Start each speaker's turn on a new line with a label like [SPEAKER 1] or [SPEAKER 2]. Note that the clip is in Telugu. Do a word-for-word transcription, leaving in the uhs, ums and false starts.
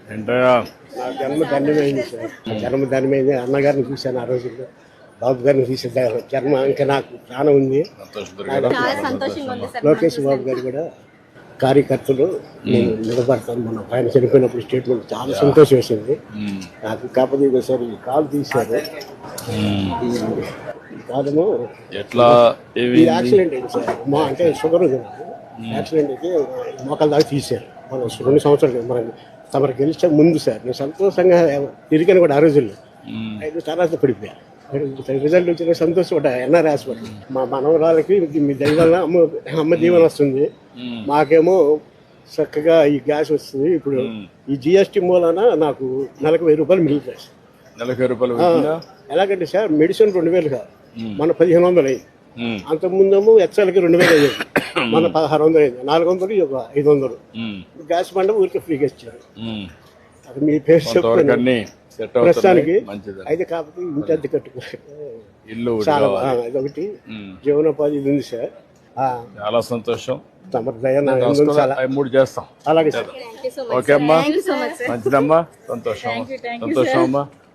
[SPEAKER 1] ఏంటయ్యా
[SPEAKER 2] నా జన్మ ధన్యమైంది సార్. జన్మ ధన్యమైంది. అన్నగారిని చూశాను ఆ రోజుల్లో, బాబు గారిని చూసాను. జన్మ ఇంకా నాకు ప్రాణం ఉంది. లోకేష్ బాబు గారు కూడా కార్యకర్తలు నేను నిలబడతాను. మొన్న ఆయన చనిపోయినప్పుడు స్టేట్మెంట్ చాలా సంతోషం వేసింది నాకు. కాకపోతే ఒకసారి కాలు తీశారు. కాదము
[SPEAKER 1] ఎట్లా
[SPEAKER 2] ఈ యాక్సిడెంట్ అయింది సార్. మా అంటే షుగర్ ఉంది నాకు. యాక్సిడెంట్ అయితే మోకాల దాకా తీశారు. మనం రెండు సంవత్సరాలు మనం తమరు గెలిచే ముందు సార్. నేను సంతోషంగా తిరిగాను కూడా ఆ రోజుల్లో. ఐదు తర్వాత పడిపోయా. రిజల్ట్ వచ్చిన సంతోషపడ్డా. ఎన్ఆర్ హాస్పిటల్ మా మనవరాలకి మీ దైవాల అమ్మ అమ్మ దీవెన వస్తుంది, మాకేమో చక్కగా ఈ గ్యాస్ వస్తుంది. ఇప్పుడు ఈ జిఎస్టీ మూలాన నాకు నెలకు వెయ్యి రూపాయలు మిగులుతాయి.
[SPEAKER 1] నెలకు రూపాయలు
[SPEAKER 2] ఎలాగంటే సార్ మెడిసిన్ రెండు వేలు కాదు, మన పదిహేను వందలు అయింది. అంతకుముందేమో ఎక్సెల్కి రెండు వేలు అయ్యేది, మన పదహారు వందలు అయింది. నాలుగు వందలు ఒక ఐదు వందలు గ్యాస్ బండ ఊరికి ఫ్రీగా ఇచ్చారు. అది మీ పేరు చెప్తాను ప్రస్తుతానికి. అయితే కాకపోతే ఇంటి అద్దె కట్టుకో
[SPEAKER 1] ఇల్లు
[SPEAKER 2] చాలా ఇదొకటి జీవనోపాధి ఇది ఉంది సార్.
[SPEAKER 1] చాలా సంతోషం.
[SPEAKER 2] తమ దయ చాలా
[SPEAKER 1] మూడు చేస్తాం.
[SPEAKER 2] అలాగే సార్.
[SPEAKER 1] ఓకే అమ్మా, మంచిదమ్మా, సంతోషం సంతోషం అమ్మా.